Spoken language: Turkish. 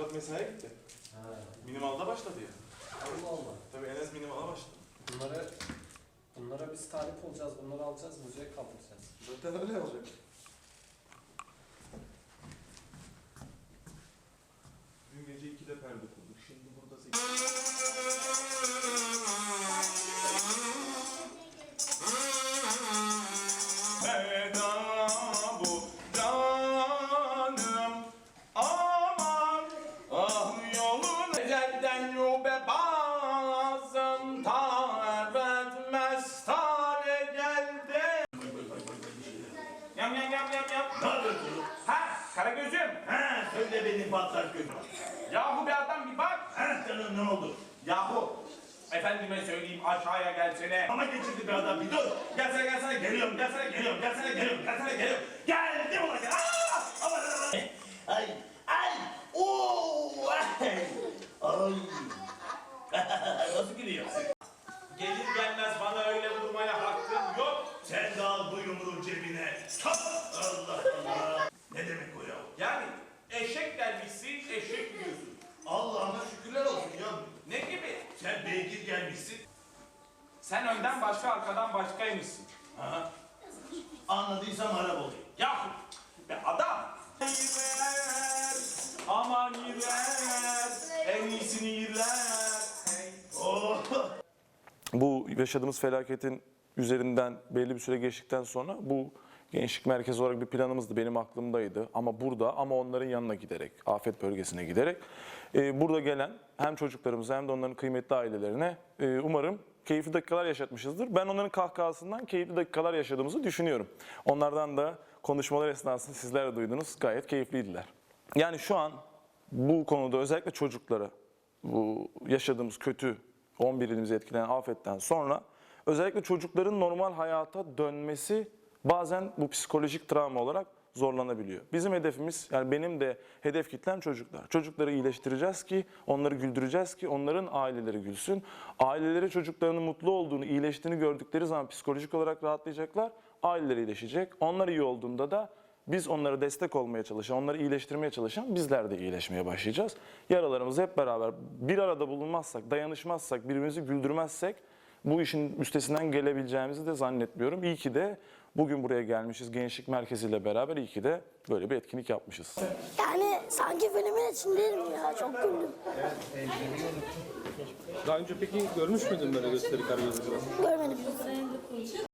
Murat mesaiye gitti. Ha. Minimalda başladı ya. Allah Allah. Tabii Enes minimala başladı. Bunlara biz talip olacağız, bunları alacağız, müzeye kaldıracağız. Zaten öyle olacak. Dün gece 2'de perde kurduk. Şimdi burada 8. Veda bu canım aman ah yolun ecelden yube bazım ta etmez tale geldi. Yam. Ne yapıyorsun? Ha Karagöz'üm. Ha, söyle beni patlar gözüm. Yahu bir adam bir bak. Ha canım ne oldu? Yahu efendime söyleyeyim aşağıya gelsene. Ama geçirdi bir adam bir dur. Gelsene geliyorum. Geldim ulan gel. Aman. Ay. Oo. Ay. Nasıl gülüyor? Gelir gelmez bana öyle vurmaya hakkın yok. Sen de al bu yumruğu cebine. Allah Allah. Ne demek o ya? Yani eşek gelmişsin eşek yiyorsun. Allah'ına şükürler olsun ya. Ne gibi? Sen beygir gelmişsin. Sen önden başka arkadan başkaymışsın. Ha? Anladıysam harap olayım. Yahu be adam. Yirler, aman yirler, en iyisini yirler. Oh. Bu yaşadığımız felaketin üzerinden belli bir süre geçtikten sonra bu gençlik merkezi olarak bir planımızdı, benim aklımdaydı. Ama burada, ama onların yanına giderek, afet bölgesine giderek burada gelen hem çocuklarımıza hem de onların kıymetli ailelerine umarım keyifli dakikalar yaşatmışızdır. Ben onların kahkahasından keyifli dakikalar yaşadığımızı düşünüyorum. Onlardan da konuşmalar esnasında sizler de duydunuz, gayet keyifliydiler. Yani şu an bu konuda özellikle çocuklara, bu yaşadığımız kötü 11 ilimizi etkileyen afetten sonra özellikle çocukların normal hayata dönmesi bazen bu psikolojik travma olarak zorlanabiliyor. Bizim hedefimiz, yani benim de hedef kitlem çocuklar. Çocukları iyileştireceğiz ki, onları güldüreceğiz ki onların aileleri gülsün. Aileleri çocuklarının mutlu olduğunu, iyileştiğini gördükleri zaman psikolojik olarak rahatlayacaklar. Aileleri iyileşecek. Onlar iyi olduğunda da biz onlara destek olmaya çalışan, onları iyileştirmeye çalışan bizler de iyileşmeye başlayacağız. Yaralarımızı hep beraber bir arada bulunmazsak, dayanışmazsak, birbirimizi güldürmezsek bu işin üstesinden gelebileceğimizi de zannetmiyorum. İyi ki de bugün buraya gelmişiz gençlik merkeziyle beraber, iyi ki de böyle bir etkinlik yapmışız. Yani sanki filmin içindeyim ya, çok güldüm. Daha önce peki görmüş müydün böyle gösteri Karagöz'ü? Görmedim.